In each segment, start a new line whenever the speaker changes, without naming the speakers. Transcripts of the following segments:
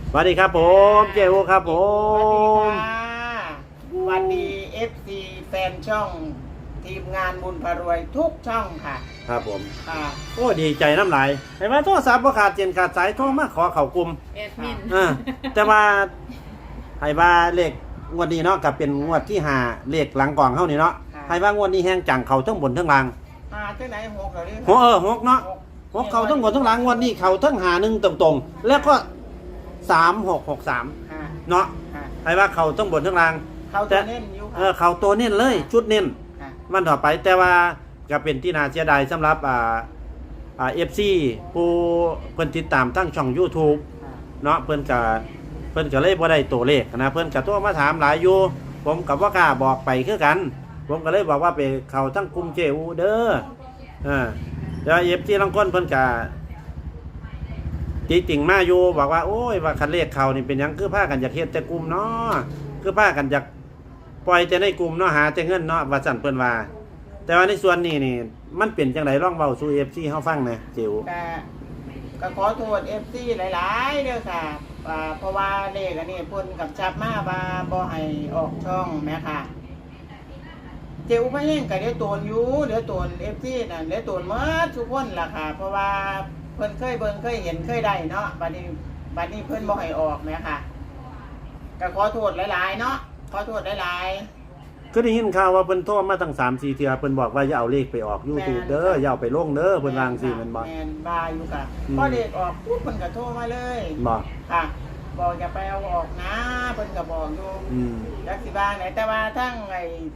สวัสดีครับผมเจโอครับผ
ส
ม
วัสดีFC แฟนช่องทีมงานบุญพารวยทุกช่องค่ะ
ครับผม
ค่ะ
โอ้ดีใจน้ำลายไอ้ว่าโทรศัพท์บ่ขาดเจนขาดสายโทรมาขอเข้ากลุ่ม
แอดมิน
แต่ว่าไอ้ว่าเลขงวดนี้เนาะกับเป็นงวดที่5เลขหลังกล่องเฮานี่เนาะไอ้ว่างวดนี้แฮงจังเข้าทั้งบนทั้งล่าง
มาที่ไหนหกเหรอเนี่ย
หกเนาะหกเข้าทั้งบนทั้งล่างงวดนี้เข้าทั้ง51ตรงๆแล้วก็3663
ค่ะ
เนาะ
ค่ะ
ไอ้ว่าเข้าทั้งบนทั้งล่าง
เขาจะเน้นอยู่ค่ะ
เข้าตัวเน้นเลยชุดเน้น
ค่ะ
วันต่อไปแต่ว่าก็เป็นที่น่าเสียดายสำหรับFC ผู้เพิ่นติดตามทั้งช่อง YouTube
ค่ะ
เนาะเพิ่นก็เลยบ่ได้ตัวเลขนะเพิ่นก็โทรมาถามหลายอยู่ผมก็บ่กล้าบอกไปคือกัน ผมก็เลยบอกว่าไปเข้าทั้งกลุ่มเจอูเด้อแล้ว FC ลางคนเพิ่นก็ติติ่งมาอยู่บอกว่าโอ้ยว่าคันเลขเข้านี่เป็นหยังคือพากันอยากเฮ็ดแต่กลุ่มเนาะคือพากันอยากปล่อยแต่ในกลุ่มเนาะหาแต่เงินเนาะว่าซั่นเพิ่นว่าแต่ว่าในส่วนนี้นี่มันเป็นจังได๋ลองเว้าสู่ FC เฮาฟังแหน่เจิ๋ว
ก็ขอโทษ FC หลายๆเด้อค่ะเพราะว่าเลขอันนี้เพิ่นกับจับมาว่าบ่ให้ออกช่องแม่ค่ะเจ้าพะแห้งก็เดี๋ยวโตนอยู่เดี๋ยวโตน FC น่ะเดี๋ยวโตนหมดทุกคนล่ะค่ะเพราะว่าเพิ่นเคยเบิ่งเคยเห็นเคยได้เนาะบัดนี้เพิ่นบ่ให้ออกแม่ค่ะก็ขอโทษหลายๆเนาะขอโทษหลายๆ
ก็ได้ยินข่าวว่าเพิ่นโทรมาตั้ง3-4เทื่อเพิ่นบอกว่าอย่าเอาเลขไปออก YouTube เด้ออย่าเอาไปลงเด้อเพิ่นวาจั่งซี่แม่นบ่
แม่นบาอยู่ค่ะพอเด็กออกปุ๊บเพิ่นก็โทรมาเลย
บ่
ค่ะบอกอย่าไปเอาออกนะเพิ่นก็บอกอยู่
อืม
จักสิบ้างไหนแต่ว่าทั้งไอ้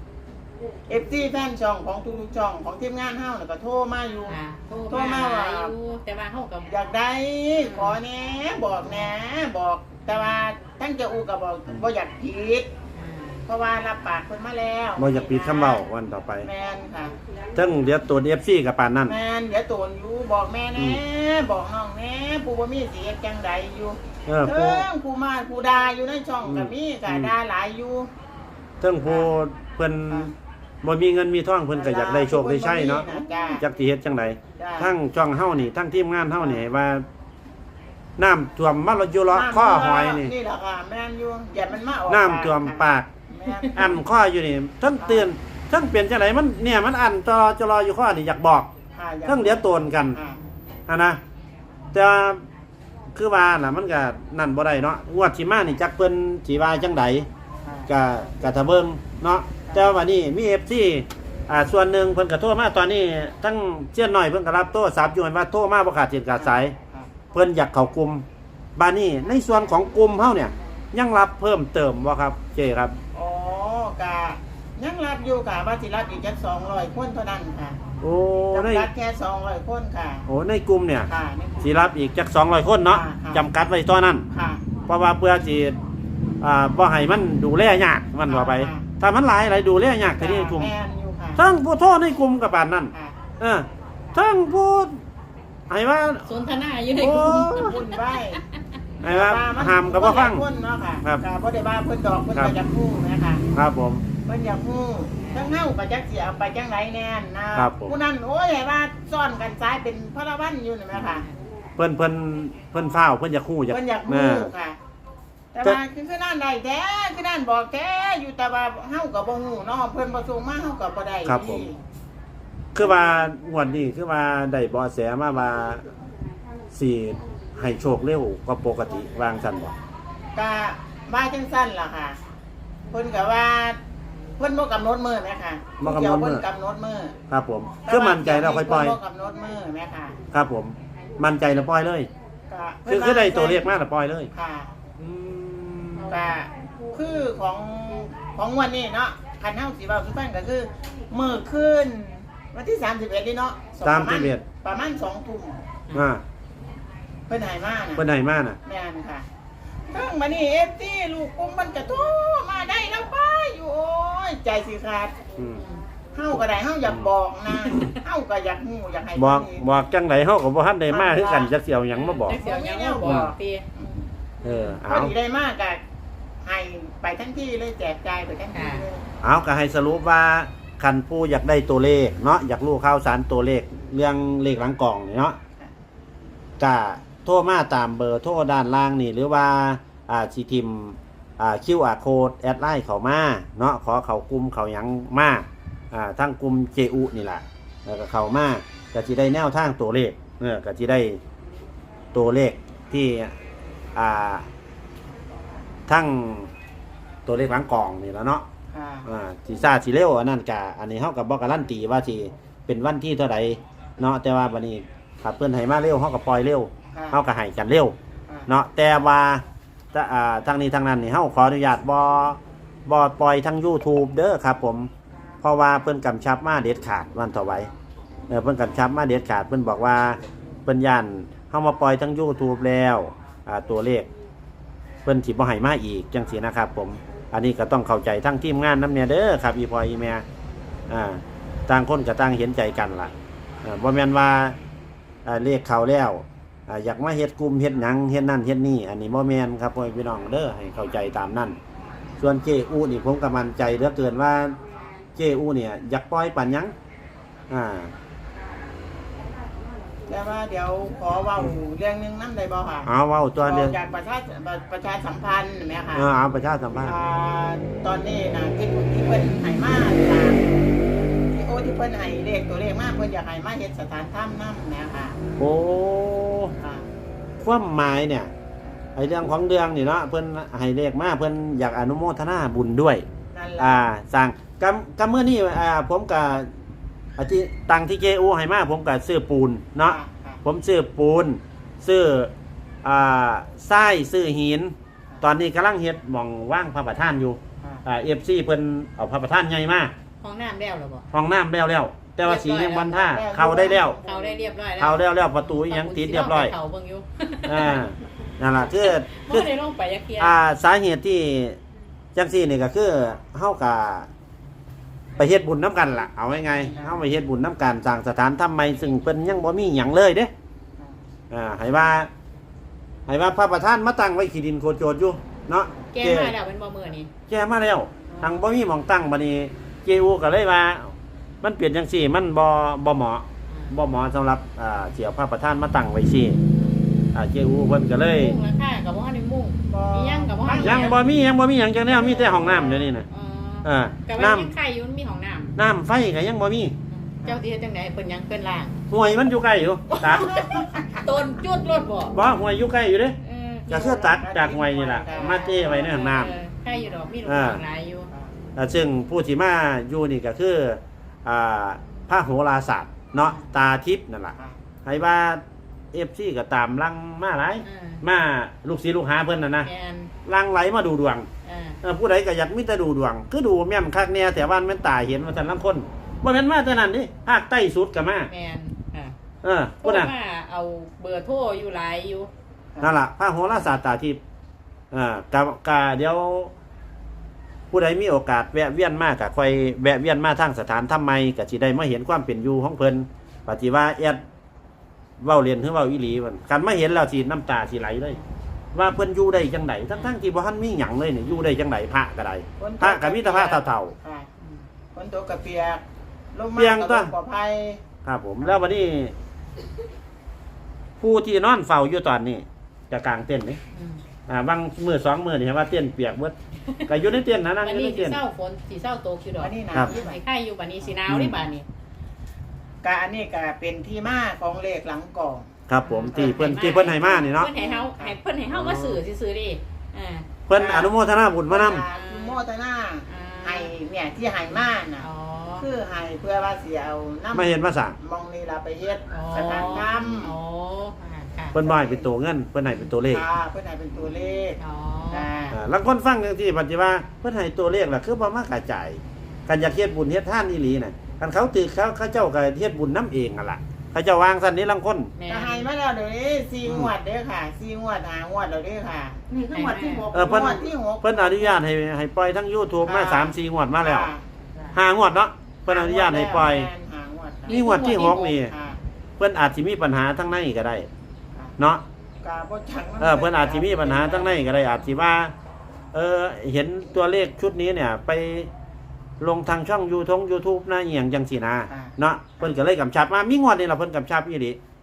FT แฟนช่องของทุกๆช่องของทีมงานเฮาน่ะก็โทรมาอยู่
ค่ะโทร
โทรมา
มา
ว่า
อยู่แต่ว่าเฮากับ
อยากได้ขอแหน่บอกแหน่บอกแต่ว่าทั้งเจ้าอูก็บอกบ่อยากผิดเพราะว่ารับปากเพิ่นมาแล้ว
บ่อยากปิดคำเว้าวันต่อไป
แม่นค่ะ
ทั้งเดี๋ยวตัว FC กับปานนั้น
แม่นเดี๋ยวโตนอยู่บอกแม่แน่บอกน้องแน่ผู้บ่มีสิเฮ็ดจังใดอยู่
เออ
เทิงผู้มาผู้ด่าอยู่ในช่องก็มีก็ด่าหลายอยู่
ทั้งผู้เพิ่นบ่มีเงินมีทองเพิ่นก็อยากได้โชคได้ชัยเนาะ
จ้า
จักสิเฮ็ดจังได
จ้า
ทั้งช่องเฮานี่ทั้งทีมงานเฮานี่ว่าน้ำท่วมมาอยู่เลาะข้อหอยนี่
นี่แหละค่ะแม่นอยู่อย่ามันมาออก
น้ำท่วมปาก
แม่น
อันข้ออยู่นี่ทั้งเตือนทั้งเปลี่ยนจังไดมันเนี่ยมันอันจะรออยู่ข้อนี่อยากบอก
ค่ะอย่า
ทั้งเดี๋ยวโตนกัน นะแต่ว่าคือว่าน่ะมันก็นั่นบ่ได้เนาะงวดสิมานี่จักเพิ่นสิว่าจังไดก็ถ้าเบิ่งเนาะแต่ว่าวันนี้มี FC ส่วนหนึ่งเพิ่นก็โทรมาตอนนี้ทั้งเจียนน้อยเพิ่นก็รับโทรศัพท์อยู่ว่าโทรมาบ่ขาดเสียงขาดสายเพิ่นอยากเข้ากลุ่มบัดนี้ในส่วนของกลุ่มเฮาเนี่ยยังรับเพิ่มเติมบ่ครับเจครับ
อ๋อกะยังรับอยู่ค่ะว่าสิรับอีกจัก200คนเท่านั้นค่ะ
โอ้ใน
จำกัดแค่200คนค่ะ
ในกลุ่มเนี่ย
ค่ะนี่
สิรับอีกจัก200คนเนาะ
ค่ะ
จำกัดไว้ตอนนั้น
ค่ะ
เพราะว่าเพื่อสิบ่ให้มันดูแลยากมันว่าไป
ค่ะ
ถ้ามันหลายหลายดูแลยากทีนี้กลุ่ม
แม่นอยู่ค่ะ
ทั้งผู้โทษในกลุ่มกับปานนั้น
ค่ะ
ทั้งผู้ให้ว่า
สนทนาอยู่ใน
โอ้
กลุ่ม
บุญไว้
ให้ว่าห้ามกับบ่ฟัง
คนเนาะค่ะ
ครับ
ค่ะบ่ได้ว่าเพิ่นดอกเพิ่น
ครับ
ก็อยากฮู้นะคะ
ครับผม
เพิ่นอยากฮู้ทั้งเฮาก็จักสิเอาไปจังไดแน่นนะครับ
ผม
ผู้นั้นโอ้ยให้ว่าซ่อนกันซ้ายเป็นพระวันอยู่นี่แหมค่ะ
เพิ่นฟ้าวเพิ่นอยากฮู้อยาก
เพิ่นอยาก
เอ
ฮู้
อ
ค่ะ แต่ว่าคือนั่นได้แท้คือนั่นบอกแท้อยู่แต่ว่าเฮาก็บ่ฮู้เนาะเพิ่นบ่ส่งมาเฮาก็บ่ได้
ครับผม คือว่างวดนี้คือว่าได้เบาะแสมาว่าสิให้โชคเร็วกว่าปกติวางซั่นบ่
ก็ว่าจังซั่นล่ะค่ะเพิ่นก็ว่าเพิ่นบ่กำหนดมื้อแม่ค่ะ
บ่กำหนดมื้อ
เพิ่นกำหนดมื้อ
ครับผมคือมั่นใจแล้วค่อยปล่อย
เพิ่นบ่กำหนดมื้อแม่ค่ะ
ครับผม มั่นใจแล้วปล่อยเลย
ก็
คือได้ตัวเลขมาแล้วปล่อยเลย
ค่ะ
อืม
ก็คือของวันนี้เนาะคันเฮาสิเว้าสิฟังก็คือมื้อคืนวันที่31นี่เนาะ
31
ประมาณ2 ทุ่ม
อ่า
เพิ่นให้มาน่ะ
เพิ่นให้มาน่ะ
แม่นค่ะเพิ่งมานี่ FT ลูกกุ้มมันก็โทรมาได้แล้วป้าอยู่โอ้ยใจสิขาด
อืม
เฮาก็ได้เฮาอยากบอกนะเฮาก็อยากฮู้อยากให้
บอกจังไดเฮาก็บ่ทันได้มาคือกันจักสิเอาหยังมาบอก
จักเสียวยังมาบอกตี
พอ
เอา
ดีได้มากก็ให้ไปทั้งที่เลยแจกจ่ายไปทั้งที่เลย
เอาก็ให้สรุปว่าคันผู้อยากได้ตัวเลขเนาะอยากรู้ข่าวสารตัวเลขเรื่องเลขหลังกล่องนี่เนาะก็โทรมาตามเบอร์โทรด้านล่างนี่หรือว่าสิทิมQR code แอดไลน์เข้ามาเนาะขอเข้ากลุ่มเข้าหยังมาทั้งกลุ่ม JU นี่ล่ะแล้วก็เข้ามาก็สิได้แนวทางตัวเลขก็สิได้ตัวเลขที่ทั้งตัวเลขหลังกล่องนี่แล้วเนาะ
ค่ะ
สิซ่าสิเร็วอันนั้นกะอันนี้เฮาก็บ่การันตีว่าสิเป็นวันที่เท่าใดเนาะแต่ว่าบัดนี้ถ้าเพิ่นให้มาเร็วเฮาก็ปล่อยเร็ว
ค่ะ
เฮาก็ให้กันเร็วเนาะแต่ว่าทางนี้ทางนั้นนี่เฮาขออนุญาตบ่ปล่อยทาง YouTube เด้อครับผมเพราะว่าเพิ่นกำชับมาเด็ดขาดวันต่อไว้เพิ่นกำชับมาเด็ดขาดเพิ่นบอกว่าเพิ่นย่านเฮามาปล่อยทาง YouTube แล้วตัวเลขเพิ่นสิบ่ให้มาอีกจังซี่นะครับผมอันนี้ก็ต้องเข้าใจทั้งทีมงานนำเนี่ยเด้อครับอีพ่ออีแม่ต่างคนก็ต่างเห็นใจกันล่ะบ่แม่นว่าเลขเข้าแล้วอยากมาเฮ็ดกลุ่มเฮ็ดหยังเฮ็ดนั่นเฮ็ดนี่อันนี้บ่แม่นครับพ่อพี่น้องเด้อให้เข้าใจตามนั้นส่วนเจอูนี่ผมก็มั่นใจเหลือเกินว่าเจอูเนี่ยอยากปล่อยปานหยัง
แต่ว่าเดี๋ยวขอเว้าเรื่องหนึงนำได้บ่ค่ะ
เอาเว้าตัวเดียว
จากประชาสัมพันธ์แม่ค่ะ
เอาประชาสัมพันธ์
ตอนนี้นะที่เพิ่นให้มาจากที่เพิ่นให้เลขตัวเลขมาเพิ่นอยากให้มาเฮ็ดสถานถ้ำนำแม่ค่ะ
โอ้
ค่ะ
ความหมายเนี่ยไอ้เรื่องของเรื่องนี่เนาะเพิ่นให้เลขมาเพิ่นอยากอนุโมทนาบุญด้วย
นั่นล่ะ
สร้างกำเมื่อนี้ผมกับที่ตังที่เจอูให้มาผมกับซื้อปูนเนาะ
ค่ะ
ผมซื้อปูนซื้อทรายซื้อหินตอนนี้กำลังเฮ็ดหม่องว่างพระประธานอยู่FC เพิ่นเอาพระประธานใหญ่มา
ห้องน้ำแล้วเหรอบ่
ห้องน้ำแล้วแต่ว่าสียังวันท่าเข้าได้แล้ว
เขาได้เรียบร้อยแล้ว
เข้าแล้วประตูยังติดเรียบร้อย
เขาเบิ่งอยู่
นั่นล่ะคือ
บ่ได้ลงไปยักเทีย
สาเหตุที่จังซี่นี่ก็คือเฮาก็ไปเฮ็ดบุญน้ำกันล่ะเอาไงเฮาไปเฮ็ดบุญน้ำกันสร้างสถานทำไมซึ่งเพิ่นยังบ่มีหยังเลยเด้ให้ว่าพระประธานมาตั้งไว้ขี้ดินโคโจรอยู่เนาะ
แก้มาแล้วเป็นบ่มื้อนี้
แก้มาแล้วทางบ่มีหม่องตั้งบัดนี้เจอูก็เลยว่ามันเปลี่ยนจังซี่มันบ่เหมาะสำหรับเสียพระประธานมาตั้งไว้ซี่เจอูเพิ่นก็เลย
มุ่งราคากับบ่ทันได้มุ่งมีหยังกับบ่ทัน
ยังบ่มีหยังจังแนวมีแต่ห้องน้ำเดี๋ยวนี้น่ะ
กับ
น้
ว่ายังไข่อยู่มันมีห้องน้ำ
น้ำไฟก็ยังบ่มี
เจ้าที่เฮ็ดจังได๋เพิ่นยังเพิ่นล่าง
ห่วยมันอยู่ใกล้อยู่ตัก
ต้นจุดรถบ่
บ่ห่วยอยู่ใกล้อยู่เด้
เ
ก็คือตักจากห่วยนี่ล่ะมาเทไว้ในห้องน้ำ
ไข่อยู่ดอกมีลูกน้องหลายอยู่
ซึ่งผู้ที่มาอยู่นี่ก็คือพระโหราศาสตร์เนาะตาทิพย์นั่นล่ะให้ว่า FC ก็ตามลังมาหลายมาลูกศิษย์ลูกหาเพิ่นน่ะนะ
แม่น
ลังไหลมาดูดวง
อ่า
ผู้ใดก็อยากมีแต่ดูดวงคือดูแม่นคักแน่แต่ว่ามันตาเห็นว่าซั่นลางคนบ่แม่นมาแต่นั้นดิภาคใต้สุดก็มา
แม่นค่ะ
พุ่นน่ะ
ว่าเอาเบอร์โทรอยู่หลายอยู่
นั่นล่ะพระโหราศาสตร์ตาทิพย์กะเดี๋ยวผู้ใดมีโอกาสแวะเวียนมากก็ค่อยแวะเวียนมาทางสถานทำไมก็สิได้มาเห็นความเป็นอยู่ของเพิ่นปฏิว่าแอดเว้าเรียนหรือเว้าอีหลีมันกันมาเห็นแล้วสิน้ำตาสิไหลเลย ว่าเพิ่นอยู่ได้จังไดทั้งที่บ่ทันมีหยังเลยนี่อยู่ได้จังไดพระก็ได้พระก็มีแต่พระเฒ่า
ค่ะฝนตกกระเปียกลม
เปีย
มาก
ตั
ก็
ว
ปลอดภัย
ๆครับผมแล้ววันนี้ผู้ที่นอนเฝ้าอยู่ตอนนี้จะกางเต็นท์นี่
อืม
บางมื้อ2มื้อนี่เห็นว่าเต็นท์เปียกเบิดก็อยู่ในเต็นท์นะนั่ง
วั
อน ยู่
นี้
ใน
สิ
เต็นท์
เศร้าฝนสิเศร้าตกอยู่ดอก
อันนี้นะ
ครับ
สิให้ไข่อยู่บัดนี้สิหนาวนี่บัดนี้
กะอันนี้ก็เป็นที่มาของเลขหลังกล่อง
ครับผมที่เพิ่นให้มานี่เนาะ
เพิ่นให้เฮามาสื่อซื่อๆดิอ่า
เพิ่นอนุโมทนาบุญมานำ
คือโมทนาให้เนี่ยที่ให้มาน่ะ
อ๋อ
คือให้เพื่อว่าสิเอาน้ำ
ไม่เห็นมาสั่ง
มองนี่ล่ะไปเฮ็ด
อ๋อ
สถานธรรม
อ๋อค่ะ
เพิ่นบ่ให้เป็นตัวเงินเพิ่นให้เป็นตัวเลข
ค่ะเพื่อให้เป็นตัวเลข
อ๋อ
ค่ะ
ลางคนฟังจังซี่ปัจจุบันเพิ่นให้ตัวเลขล่ะคือบ่มากระจายกันอยากเฮ็ดบุญเฮ็ดทานอีหลีน่ะคันเขาตึกเขาเจ้าก็เฮ็ดบุญนํเองนั่นล่ะเขาเจ้าวางซั่นนี้ลางคน
แม่
ก็ให้มาแล้วเดี๋ยวนี้4งวดเด้อค่ะ4งวด5งวดแล้วเด้อค่ะ นี่คืองวดที่6
เพิ่น
งวดที่6
เพิ่นอนุญาตให้ปล่อยทั้ง YouTube มา 3-4 งวดมาแล้ว
ค่ะ
5 งวดเนาะเพิ่นอนุญาตให้ปล่อย
ห้างวดค่ะ
นี่งวดที่6นี่
ค่ะ
เพิ่นอาจสิมีปัญหาทั้งในก็ได้เนาะ
กาบ่จัง
เพิ่นอาจสิมีปัญหาทั้งในก็ได้อาจสิว่าเห็นตัวเลขชุดนี้เนี่ยไปลงทางช่อง YouTube นะอีหยังจังซี่นะเนาะเพิ่นก็เลยกำชับมามีงวดนี่ล่ะเพิ่นกำชับอีหลี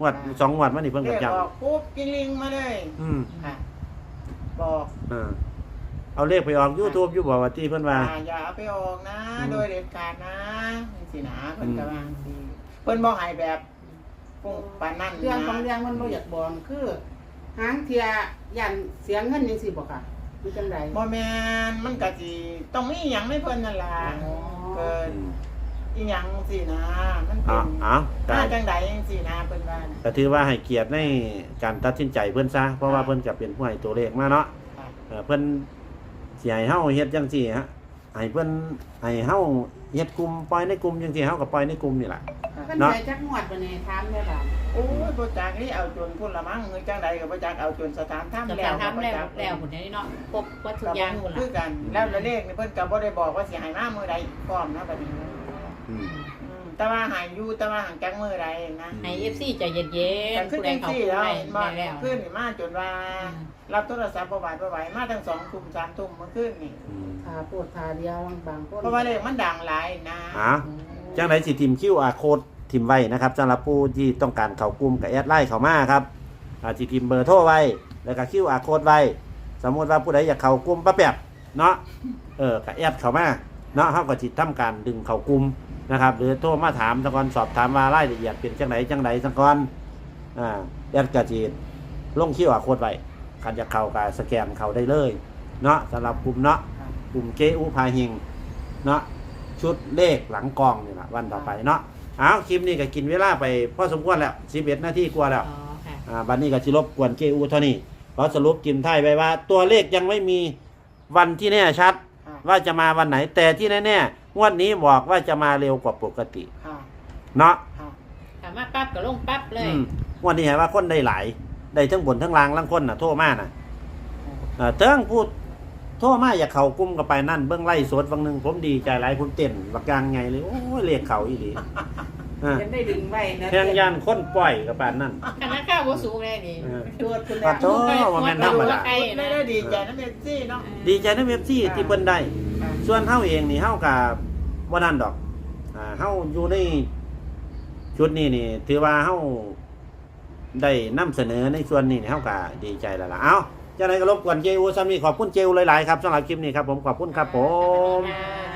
งวด2งวดมานี่เพิ่น
เล
ก็
ข
ย้
ออกปุ๊บกิ้งลิงมาเลย
อืม
ค่ะบอก
เอาเลขไปออก YouTube อยู่บ่ว่าที่เพิ่นว่า
อย่าเอาไปออกนะ
อืม
โดยเด็ดขาดนะนี่สินะเพิ่นก็ว่าสิเพิ่นบ่ให้แบบปุ้งปานนั้น
เรื่องของ
นะ
เรื่องมันบ่อยากบอกคือหางเทียยันเสียเงินจังซี่บ่ค่ะหรือจังได๋
บ่แม่นมันก็สิต้องมีหยังในเพิ่นนั่นล่ะเกินอีหยังสินะ มันเป็
เอา
น
ก็
มาจังใดจังซี่นะเพิ่นว่านะ
ก็ถือว่าให้เกียรติในการตัดสินใจเพิ่นซะเพราะว่าเพิ่นก็เป็นผู้ให้ตัวเลขมาเนาะ
ค่ะ
เพิ่นสิให้เฮาเฮ็ดจังซี่ฮะให้เพิ่นให้เฮาเฮ็ดกลุ่มปล่อยในกลุ่มจังซี่เฮาก็ปล่อยในกลุ่มนี่ล่ะ
เพิ่น
เนาะ
ได้จักงวดบ่แน่ถามแม่บ้าน
โอ้ยบ่จักนี่เอาจนพุ่นละมั้งเฮ้ยจังใดก็บ่จักเอาจนสถานถ้ำ
จะ
แล้ว
ทำแล้ว
บ่จัก
แล้วหุ่นนี้เนาะครบวัตถุกอย่างหุ่น
คือ
ละ
กันแล้วเลขนี่เพิ่นก็บ่ได้บอกว่าสิให้มามื้อใดพร้อมนะบัดนี้
อืม
แต่ว่าให้อยู่แต่ว่าหังจักมื้อใดนะ
ให้ FC ใจเย็น
แต่
ๆ
ขึ้น
ผู้ใด
จัง
เขา
ซี่
ผู้
แล้ว
ใด
มา
ได้แล้ว
ขึ้นนี่มาจนว่า รับโทรศัพท์บ่หวาดบ่ไหวมาตั้ง2 ทุ่ม 3 ทุ่มเมื่อคืนนี่
อืม
ถ้าปวดทาเดียวบางคน
เพราะว่าเลขมันดังหลายนะ
จังไดสิทิม QR code ทิมไว้นะครับสำหรับผู้ที่ต้องการเข้ากลุ่มก็แอดไลน์เข้ามาครับสิทิมเบอร์โทรไว้แล้วก็ QR code ไว้สมมุติว่าผู้ใดอยากเข้ากลุ่มป้าแป๊บเนาะก็แอดเข้ามาเนาะเฮาก็สิทำการดึงเข้ากลุ่มนะครับหรือโทรมาถามซะก่อนสอบถามว่ารายละเอียดเป็นจังไดซะก่อนแอดก็สิลง QR code ไว้คันจะเข้าก็สแกนเข้าได้เลยเนาะสำหรับกลุ่มเนาะกลุ่มเจอูพาหิงเนาะชุดเลขหลังกองนี่ล่ะวันต่อไปเนาะเอาคลิปนี้ก็กินเวลาไปพอสมควรแล้ว11นาทีกว่าแล้ว
อ๋อค่ะ
บัดนี้ก็สิรบกวนเจอูเท่านี้ขอสรุปกิมไทยไว้ว่า ตัวเลขยังไม่มีวันที่แน่ชัด
ค่ะ
ว่าจะมาวันไหน แต่ที่แน่ๆงวดนี้บอกว่าจะมาเร็วกว่าปกติ
ค่ะ
เนาะ
ค่ะ
ถามมาปั๊บก็ลงปั๊บเลย
งวดนี้เห็นว่าคนได้หลายได้ทั้งบนทั้งล่างล่างคนน่ะโทษมากน่ะเติ้งพูดโทษมาอยากเข้ากลุ้มกับไปนั่นเบื้องไล่สดบางหนึงผมดีใจหลายผมเต้นบักกลางไงเลยโอ้ยเลขเขาอีหลี
ยังได้ดึงไว้นะ
แทงยานคนปล่อยกับปานนั่น
คณะข้าวบ่สูงเลยนี่
ตรวจคุณ
ขอโทษว่าแม่นธรรมดา
ไม่ได้ดีใจนะเมสซี่เนาะ
ดีใจในเว็บซี่ที่เพิ่นได้
ค่ะ
ส่วนเฮาเองนี่เฮากับบ่นั่นดอกเฮาอยู่ในชุดนี้นี่ ถือว่าเฮาได้นำเสนอในส่วนนี้นี่เฮาก็ดีใจแล้วล่ะเอ้าจังได๋ก็รบกวนเจอูซ้ำนี้ขอบคุณเจอูหลายๆครับสำหรับคลิปนี้ครับผมขอบคุณครับผม
ค่ะ